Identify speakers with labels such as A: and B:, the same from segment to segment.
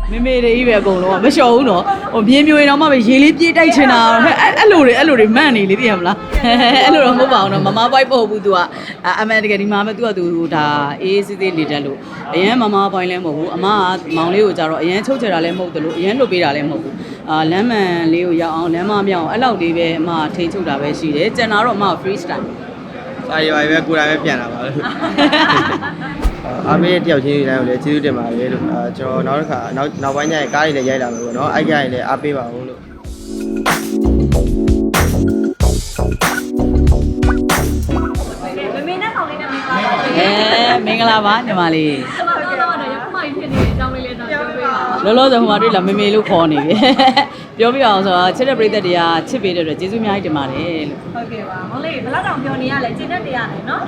A: မေမေတွေကြီးပဲအကုန်လုံးကမလျှော်ဘူးနော်ဟိုမြင်းမျိုးရင်တော့မှပဲရေလေးပြေးတိုက်ချင်တာအဲ့လိုတွေမှန်နေလေသိရမလားအဲ့လိုတော့မဟုတ်ပါဘူးနော်မမပိုက်ပို့ဘူး तू ကအမှန်တကယ်ဒီမှာပဲ तू က तू ဒါအေးစစ်စစ်နေတတ်လို့အရင်မမပိုင်လည်းမဟုတ်ဘူးအမကမောင်လေးကိုကြတော့အရင်ချုပ်ချယ်တာလည်းမဟုတ်တယ်လို့အရင်လွတ်ပေးတာလည်းမဟုတ်ဘူးလမ်းမှန်လေးကိုရောက်အောင်လမ်းမမြောက်အောင်အဲ့လောက်လေးပဲအမထိန်းချုပ်တာပဲရှိတယ်ကျန်တာတော့အမ free style
B: စာရွာပဲကိုယ်တိုင်ပဲပြန်လာပါလို့အားပေးတယောက်ချင်းတိုင်းကိုလည်းကျေးဇူးတင်ပါတယ်လို့ကျွန်တော်နောက်တစ်ခါနောက်ပိုင်းကျရင်ကားတွေလည်းရိုက်လာမယ်ပေါ့နော်အဲ့ကြရင်လည်းအားပေးပါဦးလို့
C: မမေနဲ့ကောင်လေးနဲ့မင်္ဂလာပါ
A: မင်္ဂလာပါညီမလေး
C: ကျွန်တော်တော့ရခုမှဖြစ်နေတဲ့အကြောင်းလေးလည်းတော့ပြောပြပါဦး
A: လောလောဆယ်ဟိုမှာတွေ့လာမေမေလို့ခေါ်နေပြီပြောပြအောင်ဆိုတော့ချစ်တဲ့ပရိသတ်တွေကချစ်ပေးတဲ့အတွက်ကျေးဇူးအများကြီးတင်ပါတယ်လို့
C: ဟုတ်ကဲ့ပါမောင်လေးဘယ်လောက်တောင်ပြောနေရလဲကျင်းတဲ့တရားနဲ့နော်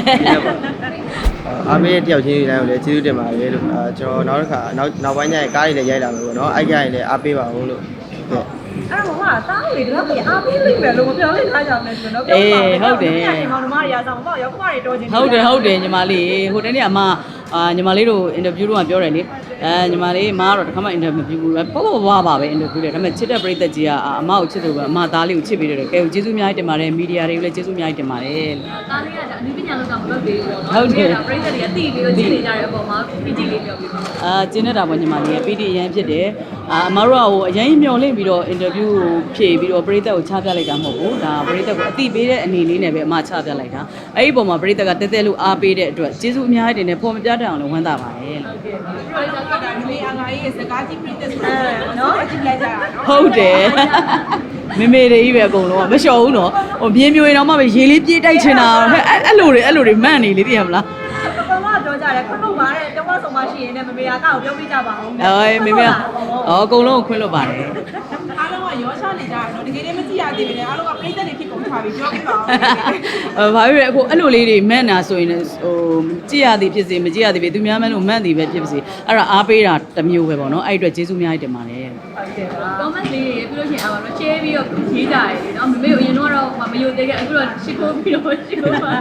B: အားပေးတယောက်ချင်းတိုင်းကိုလည်းကျေးဇူးတင်ပါတယ်လို့ကျွန်တော်နောက်တစ်ခါနောက်ပိုင်းကျရင်ကားတွေလည်းရိုက်လာမယ်ပေါ့နော်အဲ့ကြရင်လည်းအားပေးပါဦးလို့ဟုတ်
C: အဲ့တော့ဟာတားလေတော့ပြအားပေးလိမ့်မယ်လို့မပြောလိုက်ထားကြအောင်လဲကျွန်တော်ပြောပါမောင်တို့မရဆောင်ပေါ့ရောက်ခမတွေတော်ချင်း
A: ဟုတ်တယ်ညီမလေးဟိုတနေ့အမညီမလေးတို့အင်တာဗျူးတော့ပြောတယ်လေညီမလေးမကတော့တခါမှအင်တာဗျူးဘူးပဲပေါ့ပေါ့ပါပဲအင်တာဗျူးတယ်ဒါပေမဲ့ချစ်တဲ့ပရိသတ်ကြီးကအမကိုချစ်လို့ပဲအမသားလေးကိုချစ်ပေးတယ်ကဲကျေးဇူးအများကြီးတင်ပါတယ်မီဒီယာတွေကိုလည်းကျေးဇူးအများကြီးတင်ပါတယ်
C: တားလေးကအနည်းပညာလောက်ကမလုပ်သေးဘူးပေါ့နော်ဟုတ်တယ်ပရိသတ်တွေကသိပြီးတော့ချစ်နေကြတဲ့အပေါ်မှာပီတိလေးပြောပြပါ
A: ကျင်းနေတာပေါ့ညီမလေးပီတိအရင်ဖြစ်တယ်အမတို့ကဟိုအရင်မျောလင့်ပြီးတော့အင်တာဗျူးကိုဖြည့်ပြီးတော့ပရိသတ်ကိုချပြလိုက်တာမဟုတ်ဘူးဒါပရိသတ်ကိုအတိပေးတဲ့အနေလေးနဲ့ပဲအမချပြလိုက်တာအဲ့ဒီပုံမှာပရိသတ်ကတဲတဲလို့အားပေးတဲ့အတွက်ကျေးဇူးအများကြီးတင်တယ်ပေါ်မပြတတ်အောင်လည်းဝမ်းသာပါတယ်လို့
C: ဟုတ်ကဲ့ပရိသတ်ကဒါမေအငါကြီးစကားကြီးပြည့်တဲ့ဆိုတော့အကြည့်လိုက်ကြတာနော်
A: ဟုတ်တယ်မေမေတွေကြီးပဲအကုန်လုံးကမလျှော်ဘူးနော်ဟိုမြင်းမျိုးရင်တော့မှပဲရေလေးပြေးတိုက်ချင်တာအဲ့လိုတွေမှန်နေလေသိရမလား
C: ဘာမှပြောကြတယ်ခွင့်လို့ပါတဲ့တောင်းဆုံးမရှိရင်လည်းမမေကကောက်ပြောပြကြပါဦး
A: မေမေအကုန်လုံးကိုခွင့်လို့ပါတယ်
D: အားလုံးကရောချနေကြတယ်နော်တကယ်လည်းမကြည့်ရသေးဘူးလေအားလုံးကပြိတ္တတွေဖြစ်ကုန်ထားပြီပြောပြပါဦး
A: ဘာဖြစ်လဲအခုအဲ့လိုလေးတွေမှန်တာဆိုရင်ဟိုကြည့်ရသည်ဖြစ်စေမကြည့်ရသည်ဖြစ်သူများမှန်းလို့မှန်သည်ပဲဖြစ်ပါစေအဲ့ဒါအားပေးတာတစ်မျိုးပဲပေါ့နော်အဲ့အတွက်ကျေးဇူးအများကြီးတင်ပါတယ်
C: ဟုတ်ကဲ့ပါ comment လေးတွေပြီးလို့ရှိရင်အားတော့ share ပြီးတော့ရေးကြရတယ်နော်မမေကိုအရင်တော့မယိုသေးခဲ့အခုတော့ရှစ်ခိုးပြီးတော့ရှစ်ခိုးပါ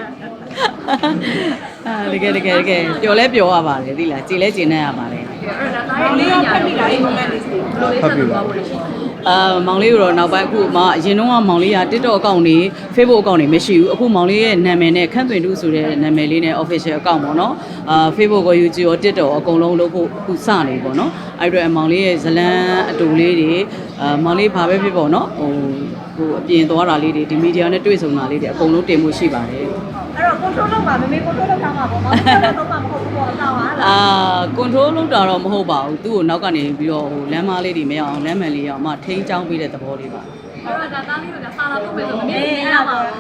A: တကယ်ပျော်လဲပျော်ရပါတယ်သိလားကြည်လဲကြည်နေရပါတယ်
C: အဲ့ဒါသားရဲ့လေးရောဖတ်ပြီးလာရေး comment လေးစီဘယ်လိုလေးဆက်ပြီးသွားဖို့လဲရှိ
A: မောင်လေးကိုတော့နောက်ပိုင်းအခုမှအရင်တော့မောင်လေးက TikTok အကောင့်တွေ Facebook အကောင့်တွေမရှိဘူးအခုမောင်လေးရဲ့နာမည်နဲ့ခန့်သွင်းတူဆိုတဲ့နာမည်လေးနဲ့ official အကောင့်ပေါ့နော်Facebook ကို YouTube ရော TikTok အကုန်လုံးလုပ်ဖို့အခုစနေပေါ့နော်အဲ့အတွက်မောင်လေးရဲ့ဇလန်းအတူလေးတွေမောင်လေးဘာပဲဖြစ်ပေါ့နော်ဟိုအပြင်သွားတာလေးတွေဒီမီဒီယာနဲ့တွေ့ဆုံတာလေးတွေအကုန်လုံးတင်မှုရှိပါတယ်
C: အဲ့တော့ control လုပ်ပါမမေ control လုပ်ထားမှာပေါ့မောင်တို့တော့မဟုတ်ဘူးပေါ့အကောင့်ဟာလား
A: control လုပ်တာတော့မဟုတ်ပါဘူးသူ့ကိုနောက်ကနေပြီးတော့ဟိုလမ်းမလေးတွေမရအောင်လမ်းမှန်လေးရအောင်အမထိန်းချောင်းပေးတဲ့သဘောလေးပါ
C: အဲ့တော့ဒါသားလေးကစာလာပို့မယ်ဆိုမမေအေးအဲ့ပါတော့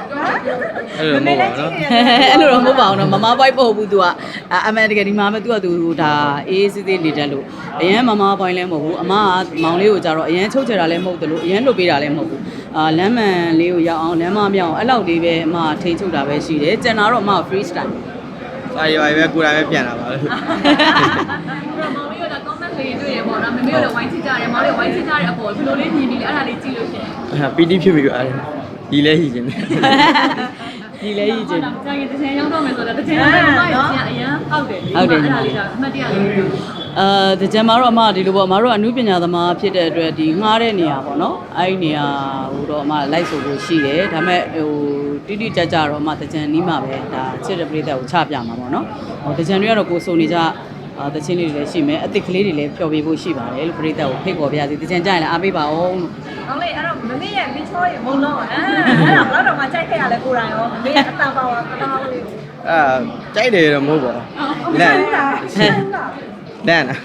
B: အဲ့လိုမဟုတ်ပါဘူးနော်
A: အဲ့လိုတော့မဟုတ်ပါဘူးနော်မမပိုက်ပို့ဘူး तू ကအမှန်တကယ်ဒီမှာပဲ तू က तू ဒါအေးစစ်စစ်နေတတ်လို့အရင်မမပိုင်လည်းမဟုတ်ဘူးအမကမောင်လေးကိုကြတော့အရင်ချုပ်ချယ်တာလည်းမဟုတ်တယ်လို့အရင်လွတ်ပေးတာလည်းမဟုတ်ဘူးလမ်းမှန်လေးကိုရောက်အောင်လမ်းမမြောက်အောင်အဲ့လောက်လေးပဲအမထိန်းချုပ်တာပဲရှိတယ်ကျန်တာတော့အမ free style
B: စာရွာပဲကိုယ်တိုင်ပဲပြန်လာပါလို့
C: မောင်လေးက comment လေးတွေ့ရပေါ့နော်မမေတို့ဝိုင်းချကြတယ်မောင်လေးဝိုင်းချကြတဲ့အပေါ်ဘယ်လိုလေးမြင်ပြီးလဲအဲ့ဒါလေးကြည့်လို့ရှင်
B: ပီတိဖြစ်ပြီးတော့ဒီလဲဟီခြင်း
A: ဒီလဲကြီးချင်း
C: ကြာရင်တစ်ချိန်ရောက်တော့မယ်ဆိုတော့တစ်ချိန်ရောက်တော့မှရအရင်ဟုတ်တယ်လေအဲ့ဒါလေးကအမှတ်တရလေး
A: တကြံမှာတော့အမဒီလိုပေါ့အမတို့ကအနုပညာသမားဖြစ်တဲ့အတွက်ဒီငှားတဲ့နေရာပေါ့နော်အဲ့ဒီနေရာဟိုတော့အမလိုက်ဆိုလို့ရှိတယ်ဒါပေမဲ့ဟိုတိတိကျကျတော့အမတကြံနီးမှာပဲဒါချစ်တဲ့ပရိသတ်ကိုချပြမှာပေါ့နော်ဟိုတကြံတွေကတော့ကိုစုံနေကြတချင်းလေးတွေလည်းရှိမယ်အစ်စ်ကလေးတွေလည်းဖျော်ပြဖို့ရှိပါတယ်လို့ပရိသတ်ကိုဖိတ်ခေါ်ပြရစီတကြံကြရင်လည်းအားပေးပါအောင်လို့
C: ဟုတ်လေအဲ့တော့မမေရဲ့မင်းချောရဲ့မုံလုံးအဲ့ဒါတော့မှကြိုက်ခဲ့ရလဲကိုယ်တိုင်ရောမမေရဲ့အတန်ပါဝါတောင်းလေးကို
B: ကြိုက်တယ်တော့မဟုတ်ပါဘူးလန့်နာ
C: လူကြောင့်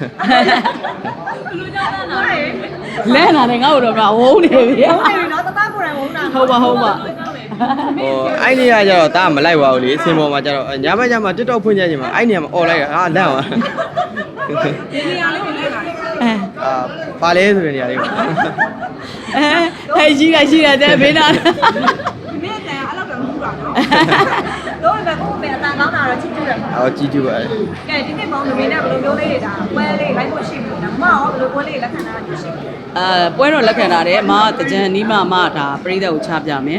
A: လန့်လာတယ်ငါ့ကိုတော့မဝုန်းနေပြီ
C: ဟုတ်တယ်နော်တသားကိုယ်တိုင်ဝုန်းတာ
A: ဟုတ်ပါ
B: ဟိုအဲ့နေရကျတော့တာမလိုက်ပါဘူးလေအစင်ပေါ်မှာကျတော့ညမည TikTok ဖွင့်ကြခြင်းမှာအဲ့နေရာမှာអော်လိုက်တာလန့်သွား
D: ဒီနေရာလေးကိုလိုက်လာတယ်
B: ပါလဲဆိုတဲ့နေရာလေးပါ
A: ဟဲ့ရှိတာတဲ့ဘေးနာ
D: ဒီနေ့တန်အဲ့လောက်တော့မဟုတ်ပါနော်
C: တော့ဘယ်ကိုပဲအတန်ကောင်းတာတော့ချစ်ကြည့်ရမှာ
B: ကြည့်ကြပါလေ
C: ကဲဒီနေ့မောင်မမေနဲ့ဘယ်လိုမျိုးလေးတွေဒါပွဲလေးလိုက်ဖို့ရှိပြီနော်မအောင်ဘယ်လိုပွဲလေးလက်ခံတာရှိပြီ
A: ပွဲတော့လက်ခံတာတယ်အမတကြံနီးမဒါပရိသတ်ကိုချပြမယ်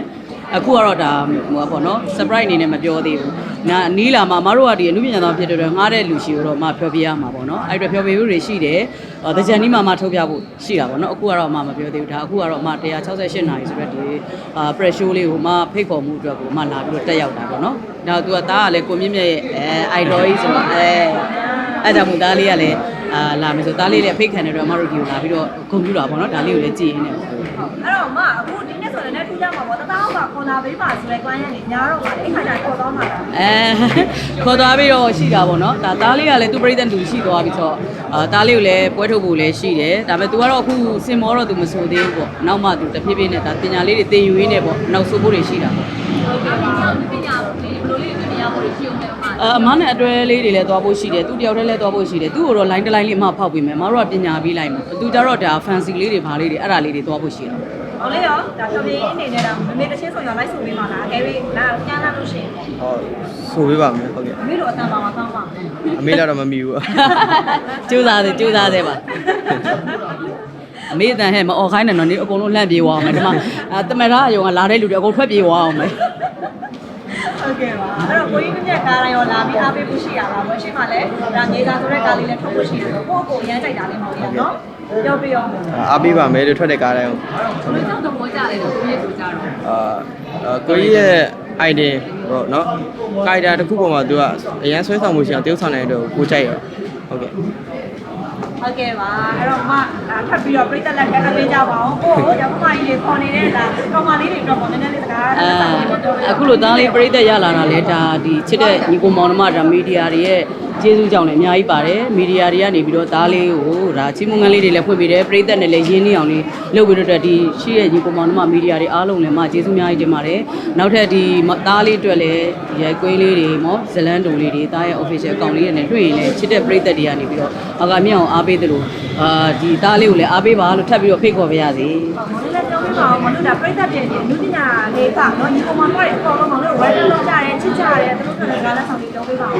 A: အခုကတော့ဒါဟိုပါပေါ့နော် surprise အနေနဲ့မပြောသေးဘူးနာနီးလာမှာမတို့ကဒီအမှုပညာသားဖြစ်တဲ့အတွက်ငားတဲ့လူရှိတော့မှဖျော်ပြရမှာပေါ့နော်အဲ့အတွက်ဖျော်ပြမှုတွေရှိတယ်တကြံဒီမှာထုတ်ပြဖို့ရှိတာပေါ့နော်အခုကတော့မှမပြောသေးဘူးဒါအခုကတော့မှ168နာရီဆိုတော့ဒီpress show လေးကိုမှဖိတ်ခေါ်မှုအတွက်ကိုမှလာပြီးတော့တက်ရောက်တာပေါ့နော်ဒါသူကသားကလည်းကိုမြင့်မြတ်ရဲ့idol ကြီးဆိုတော့အဲ့ကြောင့်မို့သားလေးကလည်းလာမယ်ဆိုသားလေးလည်းဖိတ်ခံတဲ့အတွက်မတို့ဒီကိုလာပြီးတော့ကွန်ပျူတာပေါ့နော်ဒါလေးကိုလည်းကြည့်ရင်းနေပေါ့
E: အဲ့တော့မအခုဒီနေ့ဆိုလည်းထူးကြမှာပေါ့တသားဟုတ်ကခေါ်လာပေးပါဆိုတဲ့ client ကနေညာတော့ပါလေအဲ့ခါကျခေါ်တော့မှာလား
A: ခေါ်သွားပြီးတော့ရှိတာပေါ့နော်ဒါသားလေးကလည်းသူပြိတ္တတူရှိသွားပြီးဆိုတော့သားလေးကိုလည်းပွဲထုတ်ဖို့လည်းရှိတယ်ဒါပေမဲ့ तू ကတော့အခုစင်မောတော့ तू မဆိုသေးဘူးပေါ့နောက်မှ तू တဖြည်းဖြည်းနဲ့ဒါပညာလေးတွေသင်ယူရင်းနဲ့ပေါ့နောက်ဆိုဖို့တွေရှိတာပေါ့
C: ဟုတ်ကဲ့ပညာလေးဘယ်လိုလေးပညာဖို့ရှိအောင်လဲအမ
A: အမနဲ့အတွဲလေးတွေလည်းသွားဖို့ရှိတယ်သူတယောက်တည်းလည်းသွားဖို့ရှိတယ်သူ့ကိုတော့ line တစ် line လေးအမဖောက်ပေးမယ်မတို့ကပညာပေးလိုက်မှာသူကြတော့ဒါ fancy လေးတွေဘာလေးတွေအဲ့ဒါလေးတွေသွားဖို့ရှိတာ
E: ဟောလေရောဒါတော်ပြင်းအနေနဲ့တော့မမေတချင်းဆိုရောလိုက်ဆိုပေးပါလားအဲပြီးလာကျန်းလာလို့ရှိရင်
B: ဟောဆိုပေးပါမယ်ဟုတ်ကဲ့
E: မမေတို့အတန်ပါမှာကောင်းပါမယ်
B: အမေတော့မမီဘူး
A: ကျိုးစားသေးပါအမေအတန်ဟဲ့မအော်ခိုင်းနဲ့တော့နေအကုန်လုံးလှန့်ပြေးသွားအောင်မယ်ဒီမှာတမရအယုံကလာတဲ့လူတွေအကုန်ထွက်ပြေးသွားအောင်မယ်
E: ဟုတ်ကဲ့ပါအဲ့တော့ကိုကြီးမြတ်ကားတိုင်းရောလာပြီးအားပေးဖို့ရှိရလားဘယ်ရှိမှလဲဒါငေးသားဆိုတဲ့ကားလေးလည်းထုတ်ဖို့ရှိတယ်ဆိုတော့ကိုယ့်ကိုရမ်းကြိုက်တာလေးမဟုတ်ဘူးနော်ပြောပြရော
B: အားပေးပါမယ်လို့ထွက်တဲ့ကားတိုင်းကို
C: ဘယ်ကြောင့်တော့ကြားတယ်လို့ကိုကြီးဆိုကြတော့
B: ကိုကြီးရဲ့ idea ပေါ့နော်ကာရီတာတစ်ခုပေါ်မှာသူကအရန်ဆွဲဆောင်မှုရှိအောင်တရုပ်ဆောင်နိုင်တော့ကိုကြိုက်ရောဟုတ်ကဲ့
E: ဟုတ်ကဲ့ပါအဲ့တော့မထပ်ပြီးတော့ပြိတ္တလက်ကအပေးကြပါအောင်ကိုရောက်မကြီးလေးခေါ်နေတဲ့ဒါကောင်မလေးတွေတော့နည်းနည်းလေးစကား
A: အခုလိုသားလေးပြိသက်ရလာတာလဲဒါဒီချစ်တဲ့ညီကိုမောင်နှမဒါမီဒီယာတွေရဲ့ကျေးဇူးကြောင့်လည်းအများကြီးပါတယ်မီဒီယာတွေကနေပြီးတော့သားလေးကိုဒါချီးမွမ်းငန်းလေးတွေလည်းဖွင့်ပေးတယ်ပြိသက်နဲ့လည်းရင်းနှီးအောင်လေးလုပ်ပြီးတော့ဒီရှိရဲ့ညီကိုမောင်နှမမီဒီယာတွေအားလုံးလည်းကျေးဇူးအများကြီးတင်ပါတယ်နောက်ထပ်ဒီသားလေးအတွက်လည်းရိုက်ကွေးလေးတွေမောဇလန်းတူလေးတွေသားရဲ့ official account လေးနဲ့တွေ့ရင်လည်းချစ်တဲ့ပြိသက်တွေကနေပြီးတော့အကမြောင်အားပေးသလိုဒီသားလေးကိုလည်းအားပေးပါလို့ထပ်ပြီးတော့ဖိတ်ခေါ်ပါရစေ
E: မောင်လေးလည်းပြောပြပါအောင်မလို့ဒါပြိတ္တပြင်နေလူပညာလေးပါနော်ညီကောင်မတို့ရဲ့အပေါ်တော့မောင်လေးဝယ်လို့ကြတယ်ချစ်ကြတယ်သူတို့ကလည်းကားလက်ဆောင်လေးပြောပြပါအောင်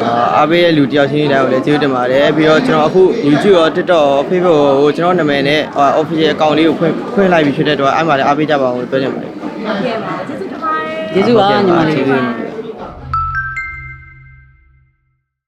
B: အားပေးရဲ့လူတယောက်ချင်းတိုင်းကိုလည်းကျေးဇူးတင်ပါတယ်ပြီးတော့ကျွန်တော်အခု YouTube ရော TikTok ရော Facebook ကိုကျွန်တော်နာမည်နဲ့ official account လေးကိုဖွင့်လိုက်ပြီးဖြစ်တဲ့တော့အဲ့မှာလည်းအားပေးကြပါအောင်လို့ပြောချင်ပါတယ်
E: ဟုတ်ကဲ့ပါကျေးဇူးတင်ပါတယ်
A: ကျေးဇူးပါညီမလေး
B: ကျေးဇူး